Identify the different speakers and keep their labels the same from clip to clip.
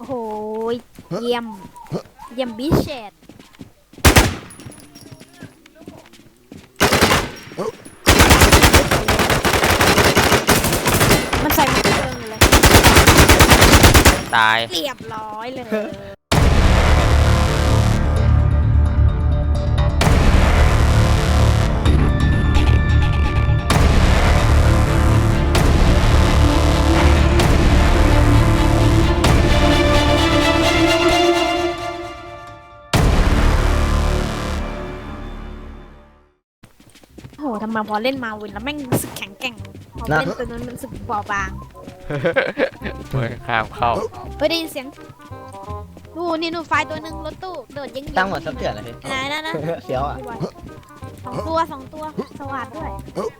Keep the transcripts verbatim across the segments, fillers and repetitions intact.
Speaker 1: โหเยี่ยมเยี่ยมบิเชตมันใส่ไม่เชิงเลย
Speaker 2: ตาย
Speaker 1: เรียบร้อยเลยโหทำไมพอเล่นมาวินแล้วแม่งรู้สึกแข็งแกร่งพอเล่นตัวนั้นมันรู้สึกเบาบาง
Speaker 2: เฮ้ยข้ามเข้า
Speaker 1: เฮ้ยได้ยินเสียงนู่นนี่นู่นไฟตัวหนึ่งรถตู้โดดยิง
Speaker 3: ตั้งหมดสักเถื่อนเลยพี่
Speaker 1: ไหนนั่นนะ
Speaker 3: เสียวอ่ะ
Speaker 1: สองตัวสองตัวสวัสดด้วย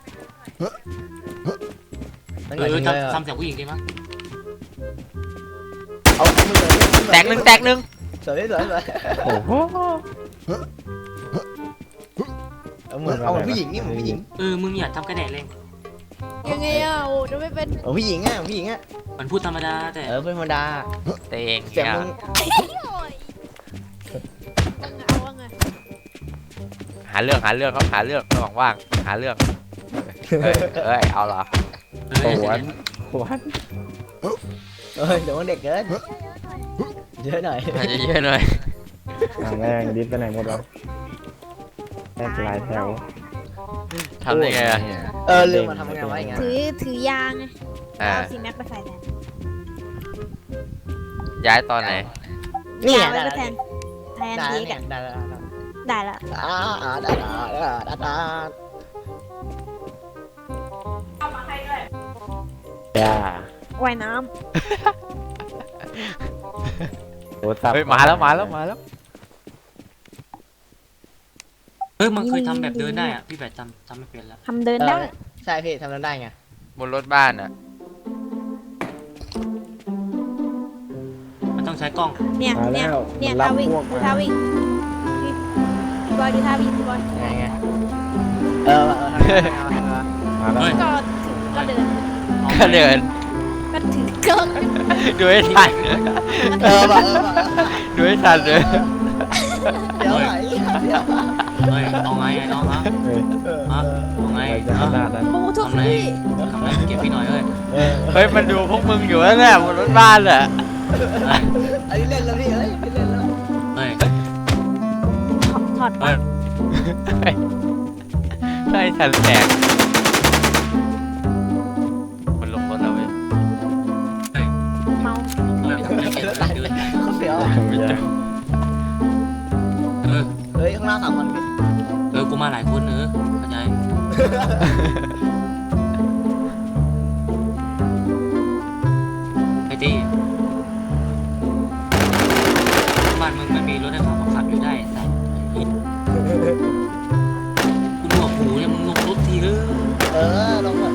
Speaker 3: มัน
Speaker 4: เอ
Speaker 3: เหมือน
Speaker 4: อ
Speaker 3: เลย
Speaker 4: ทำทำเสียงผู้หญิงดีมั้ย
Speaker 3: เอาเอามือเลย
Speaker 2: แตกหนึ่งแตกหนึ่ง
Speaker 3: สวยสวยสวย
Speaker 2: โอ้โห
Speaker 3: เอาเหมือนเอาเหมือนผู้หญิงนี่เหมือนผู้หญิง
Speaker 4: เออมึงอย่าทำกระแดดเลย
Speaker 1: ยังไงอ่ะโอ้จะไม่เป็น
Speaker 3: เอาผู้หญิงอ่ะผู้หญิงอ่ะ
Speaker 4: มันพูดธรรมดาแต่
Speaker 3: เออเป็นธรรมดา
Speaker 2: เตง
Speaker 3: เสียง
Speaker 2: เนี่ย
Speaker 3: มึง
Speaker 1: เอาว่าไง
Speaker 2: หาเรื่องหาเรื่องเขาหาเรื่องระหว่างว่างหาเรื่องเฮ้ยเฮ้ยเอาเหรอ
Speaker 4: เออ
Speaker 2: หวนหวน
Speaker 3: เออเดี๋ยวมันเด็กเกินเยอะหน่อย
Speaker 2: อาจจะเยอะหน่อย
Speaker 5: แม่งดิสไปไหนหมดวะแม่งลายแถว
Speaker 2: ทำได้ไงอะ
Speaker 3: เออลืมมาทำยังไงวะอย่างเงี้ย
Speaker 1: ถือถือยางไง
Speaker 2: อ่า
Speaker 1: เอาซีแม็กไปใส่แทน
Speaker 2: ย้ายตอนไหน
Speaker 3: นี่
Speaker 1: ยาง
Speaker 3: ไง
Speaker 1: ไว้
Speaker 3: ได้
Speaker 1: ไปแทนแทน
Speaker 3: ได้
Speaker 1: ที
Speaker 3: ได้
Speaker 1: กัน
Speaker 3: ได้ได้
Speaker 1: ได้ละ
Speaker 3: อ่าอ่าได้ได้ได้ได้
Speaker 5: ย่า
Speaker 1: ว่ายน้
Speaker 5: โทรศัพท์
Speaker 2: เฮ้ยมาแล้วมาแล้วมาแล้ว
Speaker 4: เออมันเคยทำแบบเดินได้อ่ะพี่แบบทำทำไม่เป็นแล้ว
Speaker 1: ำทำเดินได้
Speaker 3: ใช่พี่ทำได้ไง
Speaker 2: บนรถบ้านอ่ะ
Speaker 4: มันต้องใช้กล้อง
Speaker 1: เนี่ย
Speaker 5: มา
Speaker 1: เนี่
Speaker 5: แล้
Speaker 1: ยว เนี่ย
Speaker 5: รั
Speaker 1: ท่า
Speaker 5: บ
Speaker 1: วิ่ง
Speaker 5: พวก
Speaker 1: ดู
Speaker 5: มา
Speaker 1: ท่าวิ่งพี่พี่บอยดูท่าวิ่งพี่บอย
Speaker 3: ไงไงเออเออ
Speaker 5: มาแล้ว
Speaker 1: ก็ถือก็เดิน
Speaker 2: ก็เดิน
Speaker 1: ก็ถือเกิน
Speaker 2: ดูให้ทัน
Speaker 3: เออว่ะเออว่ะ
Speaker 2: ดูให้ทันเลย
Speaker 3: เดี๋ยวไหนเดี๋ยว
Speaker 4: เฮ้ยเอาไงไอ้น้องฮะ
Speaker 5: เฮ้ย
Speaker 4: ฮะเอาไง
Speaker 5: อะไรจะข
Speaker 4: ฮะ
Speaker 5: นาดนั้น
Speaker 1: โอ้ทุก
Speaker 4: ทำไง
Speaker 1: ที่
Speaker 4: ทำไงเก็บพี่หน่อยเอ้ย
Speaker 3: เออ
Speaker 2: เฮ้ยมันดูพวกมึงอยู่แล้วแหละบนรถบ้านแหละ
Speaker 4: เฮ้ย
Speaker 3: อันนี้เล่นแล้วพี่เอ้ยไม่เล่นแล้ว
Speaker 4: เฮ้ย
Speaker 1: ถอดถอด
Speaker 4: เฮ้ย
Speaker 2: ได้ทันแตกมันลงรถแล้วเว้ย
Speaker 1: เมา
Speaker 4: เฮ้ยทำไมเก็บแบบเดินได้
Speaker 3: เขาเสียว
Speaker 5: ไม่ใช่
Speaker 4: เออ
Speaker 3: เฮ้ยข้างล่างสามคนพี่
Speaker 4: เออกูมาหลายคนเออเข้าใจไอ้ตี้บ้านมึงมันมีรถให้ขับขับอยู่ได้แต่กูหนวกหูเนี่ยมึงลงรถทีเออ
Speaker 3: เออลงแบบ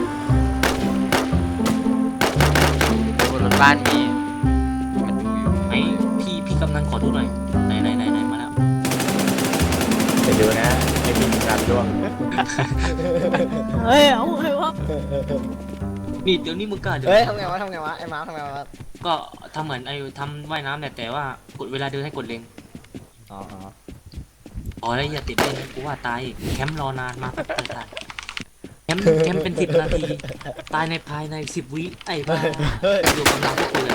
Speaker 2: บนรถบ้านมีมันดูอยู่
Speaker 4: ไอ้พี่พี่กำนันขอดูหน่อยไหนไหนไหนไหนมาแล้ว
Speaker 5: ไปดูนะไอ้พี่งานร่วง
Speaker 1: เฮ้ยเอาไงวะ
Speaker 4: นี่เดี๋ยวนี้มึงกล้าเดี๋ยว
Speaker 3: เฮ้ยทำไงวะทำไงวะไอ้ม้าทำไงวะ
Speaker 4: ก็ทำเหมือนไอ้ทำว่ายน้ำเนี่ยแต่ว่ากดเวลาเดินให้กดเล็ง
Speaker 3: อ๋อ
Speaker 4: อ๋อแล้วอย่าติดเล่นกูว่าตายแคมป์รอนานมาแบบตายแคมป์แคมป์เป็นสิบนาทีตายในภายในสิบวิไอ้บ้า
Speaker 3: เฮ้ย
Speaker 4: ดูกำลังพวกกูเลย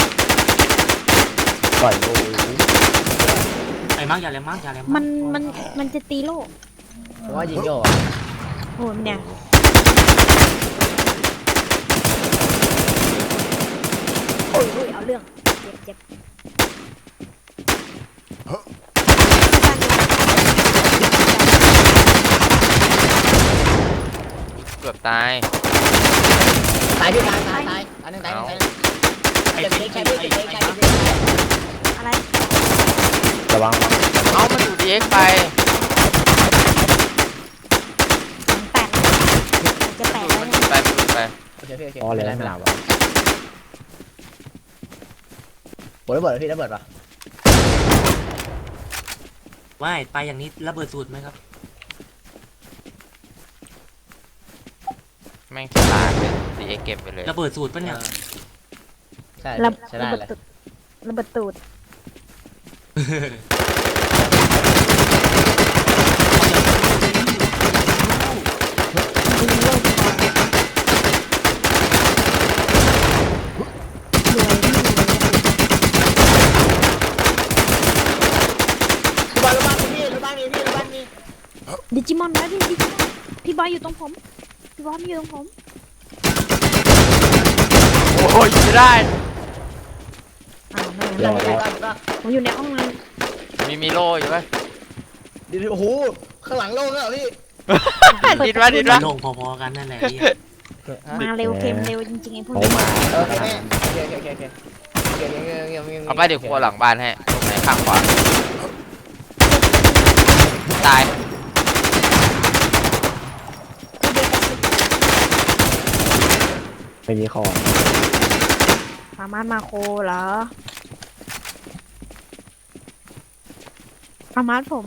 Speaker 5: ปล่อยโอ้ย
Speaker 4: ไอ้มาร์กอย่าแรงมาร์กอย่าแรง
Speaker 1: มันมันมันจะตีโลก
Speaker 3: ผมว่ายิงโย่
Speaker 1: โหเนี่ยโอ้ยโอ้ยเอาเรื่องเจ็บเจ็บ
Speaker 2: เกือบตาย
Speaker 3: ตายพี่ตายตายตายอันนึงตายอันนึงตาย
Speaker 4: ไอ้
Speaker 3: เจ็บ
Speaker 4: พี่
Speaker 3: เจ็บ
Speaker 4: ไอ้
Speaker 3: เจ็บ
Speaker 4: ไอ้
Speaker 3: เจ็บ
Speaker 4: ไอ้
Speaker 3: เจ็บ
Speaker 4: มาร์ค
Speaker 1: อะไร
Speaker 5: ระวังระวัง
Speaker 2: เอ้ามันอยู่ดีเอ็กไป
Speaker 1: แตกจะแตกแล้ว
Speaker 2: มัน
Speaker 1: เนี่ย
Speaker 2: ไปมันไป
Speaker 3: โอเคโอเคโอเค
Speaker 5: พอเลยไม่หนาววะ
Speaker 3: โอ้ยระเบิดพี่ระเบิดป่ะ
Speaker 4: ว่ายไปอย่างนี้ระเบิดสูตรไหมครับ
Speaker 2: แม่งฉลาดเลยดีเอ็กเก็บไปเลย
Speaker 4: ระเบิดสูตรปะเนี่ย
Speaker 3: ใช่
Speaker 1: ระ
Speaker 3: ใช่ได้
Speaker 1: ระเบิด
Speaker 3: เลย
Speaker 1: ตึกระเบิดตูดยิงโลกก่อนรวยไม่รวย
Speaker 3: บ้านบ้านมีพี่บ้านมีพี่บ้านมี
Speaker 1: ดิจิมอนนะดิดิจิมอนพี่บอยอยู่ตรงผมพี่บอยอยู่ตรงผม
Speaker 2: โอ้ยไม่ได้
Speaker 1: อ้าวไม่
Speaker 3: เดี๋
Speaker 1: เป็
Speaker 3: ย
Speaker 1: น
Speaker 3: ว
Speaker 1: ไร
Speaker 3: เดี๋ยว
Speaker 1: ผมอยู่ในห้องนั้น
Speaker 2: มีมีโลอยู่ไหม
Speaker 3: เดี๋ยวโอ้โหข้างหลังโล่งแล้วพี่
Speaker 2: ดิดวะดิดวะ
Speaker 4: ลงพอๆกันนั่นแหละพี่
Speaker 1: มาเร็วเกมเร็วจริงๆไอ้พวก
Speaker 5: เขา
Speaker 1: นี้
Speaker 5: มา
Speaker 3: โอเคแม่โอเคโอเคโอเคโอเคเงี้ยเงี้ยเงี้ย
Speaker 2: เอาไปเดี๋ยวครัวหลังบ้านให้ตรงไหนข้างขวาตาย
Speaker 5: ไม่มีของ
Speaker 1: สามารถมาโคเหรอสามารถผม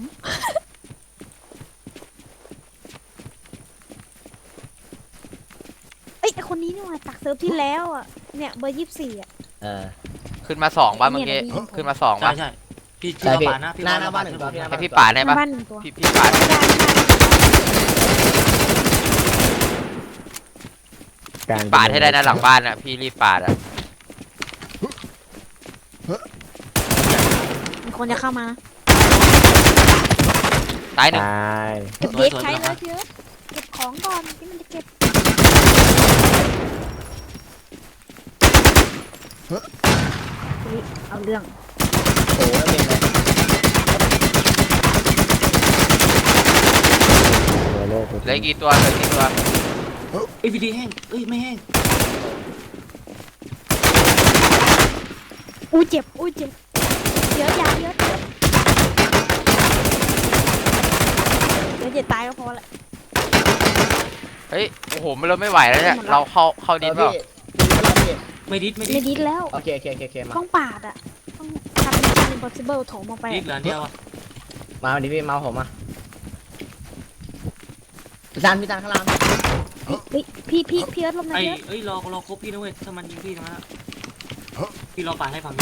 Speaker 1: เอ้ยไอคนนี้นี่หว่าจากเซิร์ฟที่แล้วอ่ะเนี่ยเบอร์ยี่สิบสี่อ่ะ
Speaker 3: เออ
Speaker 2: ขึ้นมาสองป่ะเมื่อกี้
Speaker 1: เนี่ยนะพี่
Speaker 2: ขึ้นมาสอง
Speaker 4: ใช่
Speaker 2: ป่ะ
Speaker 4: ใช่พี่
Speaker 3: ใช่
Speaker 4: พี่
Speaker 3: พี่
Speaker 4: ปานะพี่
Speaker 3: หน้าหน้าบ้านหนึ่งตัวพี่
Speaker 2: ให้พี่ป่าดให้
Speaker 1: หน้า
Speaker 2: ป่ะ
Speaker 1: บ้านหนึ่งตัว
Speaker 2: พี่พี่ป่าด
Speaker 1: ได้ได้
Speaker 5: การ
Speaker 2: ป่าดให้ได้นะหลังบ้านอ่ะพี่รีบป่าดอ่ะ
Speaker 1: มีคนจะเข้ามานะ
Speaker 2: ตายหนึ่ง
Speaker 5: ตาย
Speaker 1: เก็บเด็กใช้เลยเยอะเก็บของก่อนที่มันจะเก็บเฮ้ยเอาเรื่อง
Speaker 3: โอ้โหแล้วเป็นไง
Speaker 5: ตัวโลก
Speaker 2: เหลืออีกกี่ตัวเหลือกี่ตัว
Speaker 4: เอ้ยพีดีแห้งเอ้ยไม่แห้ง
Speaker 1: อุ้ยเจ็บอุ้ยเจ็บเยอะยาเยอะเยอะเดี๋ยวจะตายก็พอละ
Speaker 2: เฮ้ยโอ้โหมันเราไม่ไหวแล้วเนี่ยเราเข้าเข้าดินเปล่า
Speaker 4: ไม่ดิดไม่ดิ
Speaker 1: ไม่
Speaker 4: ด
Speaker 1: ดิดแล้ว
Speaker 3: โอเคโอเคโอเคโอเคมา
Speaker 1: ต้องปาดอ่ะต้องทำเป็น impossible โถมออกไป
Speaker 4: ดิดเหลืออันเดียวอะ
Speaker 3: มาดิพี่มาผมมาพี่ตันพี่ตันข้างล่าง
Speaker 1: เฮ้ยพี่พี่พี่เอิร์ธลงนะ
Speaker 4: ไอ้
Speaker 1: พี่เอิร์ธ
Speaker 4: เอ้ยรอรอครบพี่นะเว้ยถ้ามันยิงพี่ตรงนั้นอะพี่รอปาดให้ฝั่งนี้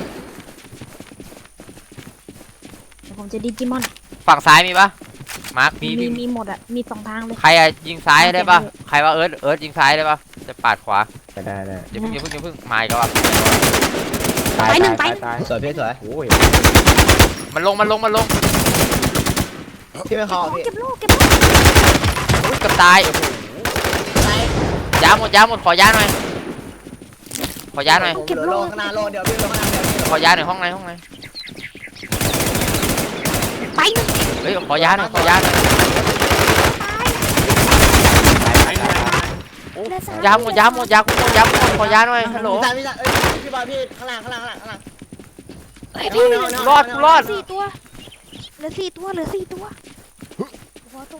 Speaker 1: เดี๋ยวผมจะดิจิมอน
Speaker 2: ฝั่งซ้ายมีป่ะมาร์ค
Speaker 4: มี
Speaker 1: มี
Speaker 4: พี่
Speaker 1: มีหมดอ่ะมีสองทางเลย
Speaker 2: ใครอะยิงซ้ายได้ป่ะใครว่าเอิร์ธเอิร์ธยิงซ้ายได้ป่ะจะปาดขวา
Speaker 5: จะได้ได้
Speaker 2: เดี๋ยวเพิ่งเดี๋ยวเพิ่งเดี๋ยวเพิ่งมาอีกแล้วอ่ะ
Speaker 5: ตายตายตายตาย
Speaker 3: สวยพี่สวย
Speaker 5: โอ้ย
Speaker 2: มันลงมันลงมันลง
Speaker 3: พี่ไม่คอพี่
Speaker 1: เก็บโล่เก็บโล่
Speaker 2: อุ๊ยเกับตายโอ้โห
Speaker 3: ไหน
Speaker 2: ยาหมดยาหมดขอยาหน่อยขอยาหน่อย
Speaker 3: ผมเหลือโลข้างหน้าโลเดียวพี่โลข้างหน้าเดียวพี่
Speaker 2: ขอยาหน่อยห้องไหนห้องไหน
Speaker 1: ไปหนึ่ง
Speaker 2: เฮ้ยขอยาหน่อยขอยาหน่อย
Speaker 4: ไอ้นาย
Speaker 2: โอ้ยาหมดยาหมดยาหมดยาหมดขอยาหน่อยฮัลโหล
Speaker 3: พี่ตันพี่ตันเอ้ยพี่บอยพี่ข้างล่างข้างล่างข้างล่างข้างล่าง
Speaker 1: เฮ้ยพี่
Speaker 2: รอดรอด
Speaker 1: สี่ตัวเหลือสี่ตัวเหลือสี่ตัวหัวตัว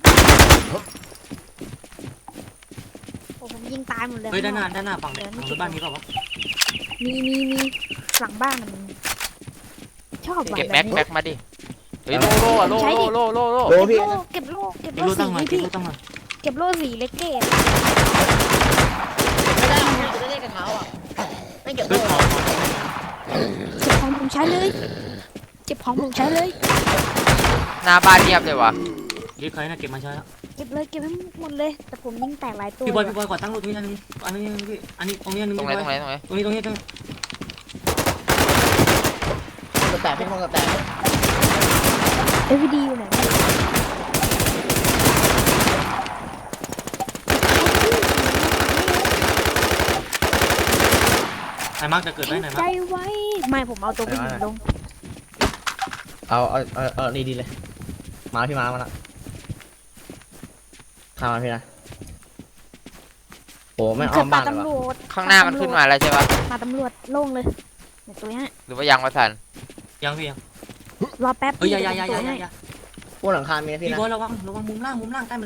Speaker 1: โอ้ผมยิงตายหมดเลย
Speaker 4: เฮ้ยด้านหน้าด้านหน้าฝั่งเนี่ยฝั่งรถบ้านนี้เปล่าวะ
Speaker 1: มีมีมีหลังบ้านมันชอบว่ะ
Speaker 2: เก็บ
Speaker 1: แบ
Speaker 2: แม็
Speaker 1: บ
Speaker 2: ก
Speaker 1: นี้
Speaker 2: แม็กมาดิเฮ้ยโลโลอะโลโลโลโลโล
Speaker 3: โล
Speaker 1: เก็บ
Speaker 3: พี่
Speaker 1: โล่เก็บโล่เก็บ
Speaker 4: เก็บ
Speaker 1: โล่
Speaker 4: รูตั้
Speaker 1: สี
Speaker 4: งมาเก็บ
Speaker 1: พี่
Speaker 4: รูตั้งมา
Speaker 1: เก็บโล่สีเล็กเกด
Speaker 3: ไม่ได้พี่จะได้กระเท้าอ่ะไม่เก็บ
Speaker 4: เฮ้ย
Speaker 3: โล
Speaker 4: ขอขอ
Speaker 1: เก็บของผมใช้เลยเก็บของผมใช้เลย
Speaker 2: หน้าบ้านเงียบเลยวะ
Speaker 4: ดิดใครน่ะเก็บมาใช้แล้ว
Speaker 1: เก็บเลยเก็บให้หมดเลย แต่ผมยิงแตกหลายตัว
Speaker 4: พี่บอยพี่บอยขอตั้งรถตรงนี้อันนึงอันนี้พี่อันนี้ตรงนี้อันนึง
Speaker 2: ตรงไหนตรงไหนตรงไหน
Speaker 4: ตรงนี้ตรงนี้ตรงนี้
Speaker 3: กระแตกพี่คงกระแตก
Speaker 1: เอวีดีอยู่ไหน
Speaker 4: ไอ้มาร์กจะเกิดได้ไหน
Speaker 1: ใจ
Speaker 4: มาร์ก
Speaker 1: ไว้ไม่ผมเอาตัวผู้หญิงลง
Speaker 3: เอาเอาเอาเอาดีดีเลยมาพี่มามาละข้ามาพี่นะโอ้ไม่
Speaker 1: เกิ
Speaker 3: อ้อ
Speaker 1: ด
Speaker 3: ม
Speaker 1: ป่า
Speaker 3: บ้านเลย
Speaker 1: ตำร
Speaker 3: วะ
Speaker 1: วจ
Speaker 2: ข้างหน้ามันขึ้นมาแล้วใช่ปะ
Speaker 1: ป่าตำรวจโล่งเลยเดี๋ยวตัวเนี้ย
Speaker 2: หรือว่ายังวะทัน
Speaker 4: ยังพี่ยัง
Speaker 1: รอแป๊บ
Speaker 4: เฮ้ยอย่าอย่า
Speaker 1: เดี๋
Speaker 4: อย่า
Speaker 1: ว
Speaker 4: อย่า
Speaker 1: ผม
Speaker 4: อย่า
Speaker 1: ตัวให้
Speaker 3: พวกหลังคามีนะพี่
Speaker 4: พี่
Speaker 3: นะ
Speaker 4: บอยระวังระวังมุมล่างมุมล่างใต้บันได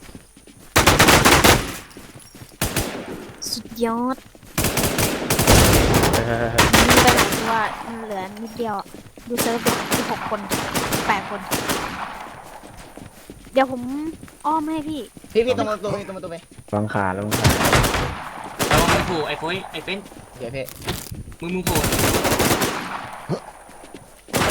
Speaker 1: สุดยอด
Speaker 5: เออ
Speaker 1: มีไปหลายตัวมันเหลือนิดเดียวดูเซิร์ฟเป็นสิบหกคนแปดคน เดี๋ยวผมอ้อมให้พี่
Speaker 3: พี่พี่ตรงประตูพี่ตรงประตูไป
Speaker 5: วางขาแล้ววางขา
Speaker 4: ระวังมึงโผล่ไอ้โฟยไอ้เฟ้น
Speaker 3: เดี๋ยวพี่
Speaker 4: มึงมึงโผล่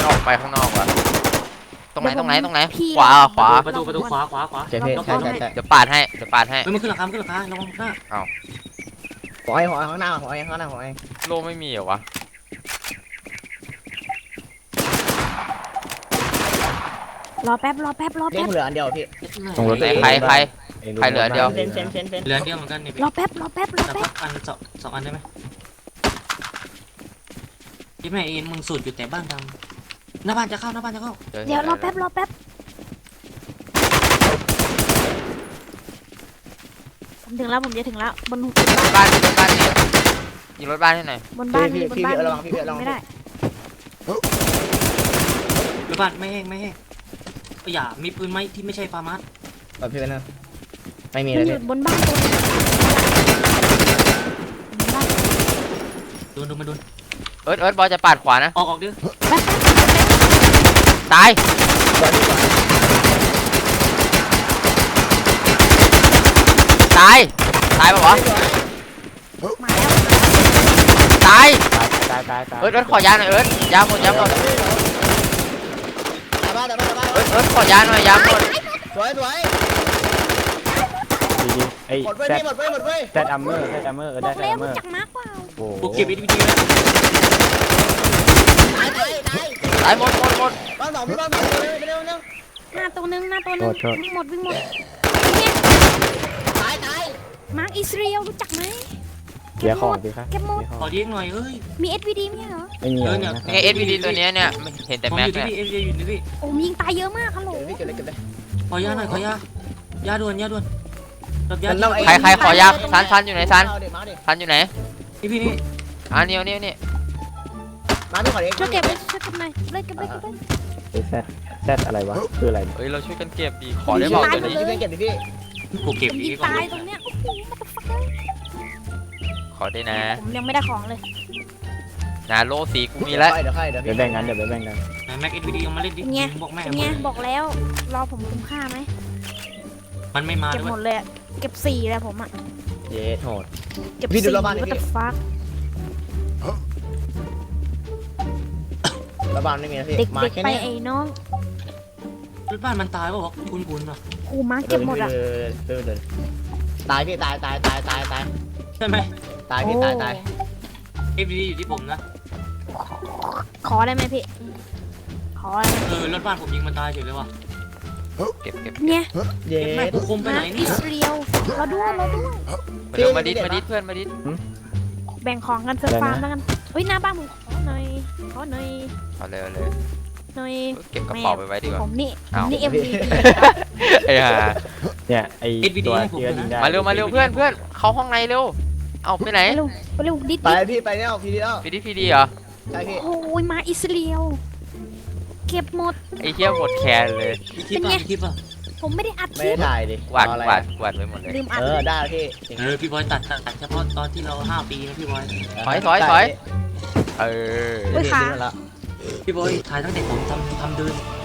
Speaker 2: มันออกไปข้างนอกว่ะตรงไหนตรงไหนตรงไหน
Speaker 1: พี่
Speaker 2: ขวาขวา
Speaker 4: ประตูประตูขวาขวาขวา
Speaker 3: ใช่พี่ใช่ใช่ใช่
Speaker 2: เดี๋ยวปาดให้เดี๋ยวปาดให้
Speaker 4: เฮ้ยมันขึ้นหลังคาขึ้นหลังคาระวังหน้า
Speaker 3: หัวไอ้หัวไอ้ข้างหน้าหัวไอ้ข้างหน้าหัวไอ้
Speaker 2: โลไม่มีเหรอวะ
Speaker 1: รอแป๊บรอแป๊บรอ
Speaker 3: เล่
Speaker 1: แป๊
Speaker 3: น
Speaker 1: บ
Speaker 3: เหลืออันเดียวพี่
Speaker 5: ตรงรถ
Speaker 2: ไหนใครใคร ใครเหลือเดียว
Speaker 3: เฟนเฟนเฟนเฟน
Speaker 4: เหลือเดียวเหมือนกันเนี่ยพี่
Speaker 1: รอแป๊บรอแป๊บรอ
Speaker 4: แต่
Speaker 1: แป๊
Speaker 4: พั
Speaker 1: บ
Speaker 4: กอันสองสองอันได้ไหมพี่แม่เอ็นมึงสูดอยู่แต่บ้านดำหน้าบ้านจะเข้าหน้าบ้านจะเข้า
Speaker 1: เดี๋ยวรอแป๊บรอแป๊บผมถึงแล้วผมจะถึงแล้วบน
Speaker 2: บ้านบนบ้านนี่ยิงรถบ้านให้หน่อย
Speaker 1: บนบ้าน
Speaker 3: พี่
Speaker 1: นี่บน
Speaker 3: พี่
Speaker 1: บ้าน
Speaker 3: พี่ระวังพี่พี่ระวัง
Speaker 1: ไม่ได้
Speaker 4: หน้าบ้านไม่แห้งไม่แห้งอย่ามีปืนไหมที่ไม่ใช่ฟาร์มัส
Speaker 3: แบบพี่เป็นนะไม่มี
Speaker 1: มั
Speaker 3: เล
Speaker 1: น
Speaker 3: ย
Speaker 1: อยู่
Speaker 3: พี่
Speaker 1: บนบ้านตัวนึงบนบ้าน
Speaker 4: โดนโดนมาโดน
Speaker 2: เอิร์ธเอิร์ธบอลจะปาดขวานะ
Speaker 4: ออกออกดิ
Speaker 1: แป๊บ
Speaker 2: ตาย
Speaker 3: ก่อนดีกว่า
Speaker 2: ตายตายปะวะ
Speaker 1: มาแล้ว
Speaker 2: ตาย
Speaker 5: ตายตายตาย
Speaker 2: เอิร์ธเอิร์ธขอยาหน่อยเอิร์ธยาหมดยาหมด
Speaker 3: ตาบ้าตาบ้าตาบ้า
Speaker 2: เอิร์ธเอิร์ธขอยาหน่อยยาหมด
Speaker 3: สวยสวย
Speaker 5: ดีดีไอ้
Speaker 3: หมดไป
Speaker 5: แซด
Speaker 3: พี่หมดไปหมดไป
Speaker 5: แซดอัมเมอร์แซดอัมเมอร์เออบ ได้
Speaker 1: อก
Speaker 5: แซด
Speaker 1: แล้ว
Speaker 5: อัมเมอ
Speaker 1: รู้
Speaker 5: ร์
Speaker 1: จักมาร์กเปล่า
Speaker 5: โอ้
Speaker 4: กูเก็บวิดีโอแล้ว
Speaker 3: ตายตายตาย
Speaker 2: ตายหมดหมดหมด
Speaker 3: บ้านสองพี่บ้านสองเร็วเร็วเร็ว
Speaker 1: หน้าตัวนึงหน้าตัวนึงวิ่งหมดวิ่งหมด
Speaker 3: ตายตาย
Speaker 1: มาร์กอิสราเอลรู้จักไหม
Speaker 5: เกียร์ของสิครับ
Speaker 1: เก็บหมด
Speaker 5: เกียร์ข
Speaker 4: ข
Speaker 5: อ
Speaker 4: อง เลี้ยงหน่อยเอ้ย
Speaker 1: มี เอส วี ดี ไม่ใช่เหรอ
Speaker 5: ไม่มีอะไรนะ
Speaker 2: นี่ไงเอสพีดีตัวเนี้ยเนี่ยไม่เห็นแต่
Speaker 4: ผม
Speaker 2: แม็
Speaker 4: อก ยู่ที่
Speaker 2: เนี่ย
Speaker 4: พี่เอฟอยู่ที่พี่
Speaker 1: โอ้มยิงตายเยอะมากฮัลโหล
Speaker 3: เดี๋ยวพี่เก็บเลยเก็บเลย
Speaker 4: ขอยาหน่อยขอยายาด่วนยาด่วนรับยา
Speaker 3: มันต้องไอ้
Speaker 2: ใครใครขอยาซันซันอยู่ไหนซัน
Speaker 3: เอาดิมาดิ
Speaker 2: ซันอยู่ไหน
Speaker 4: พี่พี่นี่
Speaker 2: อ่านี่นี่นี่
Speaker 3: มาพี่ขอเอง
Speaker 1: ช่วยเก็บเลยช่วยเก็บหน่อยเลยเก็บเลยเก็บเลย
Speaker 5: ไอ้แซดแซดอะไรวะคืออะไร
Speaker 2: เอ้ยเราช่วยกันเก็บดีขอได้เปล่าตัว
Speaker 3: พี่
Speaker 2: นี้
Speaker 3: พี่เก็บดิพี่
Speaker 4: กูเก็บ
Speaker 1: ผม
Speaker 4: อี
Speaker 1: ยิง
Speaker 4: กก่อน
Speaker 1: ตายตรงเนี้ยโอ้โหมาตฟักเลย
Speaker 2: ขอได้นะ
Speaker 1: ผมยังไม่ได้ของเลย
Speaker 2: นาโลสีกูมีแล้ว
Speaker 3: เดี๋ยวค่อยเดี๋ยว
Speaker 5: เดี๋ยวแบ่งกันเดี๋ยวไปแบ่งกัน
Speaker 4: ไหนแม็กเอ็นวีดีเอามาเล่นดิ
Speaker 1: เป็นไง
Speaker 4: บอกแม่
Speaker 1: เป็นไงบอกแล้วรอผมคุ้มค่าไหม
Speaker 4: มันไม่มา
Speaker 1: เก็บ
Speaker 4: ด้วย
Speaker 1: หมดเลยอะเก็บสี่เลยผมอะ
Speaker 3: เย้โหด
Speaker 1: เก็บ
Speaker 3: พี่ดู
Speaker 1: สี่
Speaker 3: รอบบ้านดิ
Speaker 1: ว่า
Speaker 3: พี่
Speaker 1: ตฟัก
Speaker 3: แล้วบ้านไม่มีนะพี่
Speaker 1: เด็ก
Speaker 3: มา
Speaker 1: เด็ก
Speaker 3: แค่
Speaker 1: ไป
Speaker 3: นี้
Speaker 1: ไอ้น้อง
Speaker 4: รถบ้านมันตายป่าวะคุณคุณป่ะ
Speaker 1: ครูมาเก็บหมดอะ
Speaker 3: เเดินเดินตายพี่ตายตายตายตายตาย
Speaker 4: ใช่ไหม
Speaker 3: ตายพี่ตายตาย
Speaker 4: เอฟวีดีอยู่ที่ผมนะ
Speaker 1: ขอได้ไหมพี่ขอได้ไหม
Speaker 4: เออรถบ้านผมยิงมันตายเฉยเลยว่ะ
Speaker 2: เก็บเก็บ
Speaker 1: เนี่ย
Speaker 3: เย้
Speaker 4: เก็บแม่กูคุมไป
Speaker 1: มา
Speaker 4: ไหน
Speaker 1: อิ
Speaker 4: เนี่ย
Speaker 1: สราเอลเราด้วยเราด้วย
Speaker 2: มาเร็วมาดิดมาดิดเพื่อนมาดิด
Speaker 1: แบ่งของกันเซิร์ฟฟาร์มแล้วกันเฮ้ยหน้าบ้านผมขอหน่อยขอหน่อย
Speaker 2: เอาเลยเอาเลย
Speaker 1: หน่อย
Speaker 2: เก็บกระเป๋าไปไว้ดีกว่า
Speaker 1: ผมนี่ผ
Speaker 2: เอา
Speaker 1: มนี่เอ็มวี
Speaker 2: ไอ้ห่า
Speaker 5: เนี่ยไอ้ตัวที่ก็ยิงได้
Speaker 2: มาเร็วมาเร็วเพื่อนเพื่อนเข้าห้องในเร็วเอาไปไหน
Speaker 1: ไปเร็วไปเร็วดิด
Speaker 3: ไป
Speaker 1: ดิด
Speaker 3: พี่ไปเนี่ยพี่ดีแล้ว
Speaker 2: พีดีพีดีเหรอ
Speaker 3: ใช่พี่
Speaker 1: โอ้ยมาอิสราเอลเก็บหมด
Speaker 2: ไอ้เหี้ยหมดแคนเลย
Speaker 4: พี่ทิพย์ป่ะพี่ทิพย์ป่ะ
Speaker 1: ผมไม่ได้อัดค
Speaker 3: ไม่
Speaker 1: ลิ
Speaker 3: ได้
Speaker 1: ป
Speaker 3: ถ่ายดิ
Speaker 2: กวาด
Speaker 3: อะไร
Speaker 2: กวาดกวาดไปหมดเลย
Speaker 1: ลืมอัด
Speaker 3: เออได้พี่
Speaker 4: เออพี่บอยตัดตัดตัดเฉพาะตอนที่เราห้าปีนะพี่บอย
Speaker 2: ถอยถอยถอย เออ
Speaker 1: เฮ้ยขา
Speaker 3: แล้ว
Speaker 4: พี่บอยถ่ายตั้งแต่ผมทำทำเดิน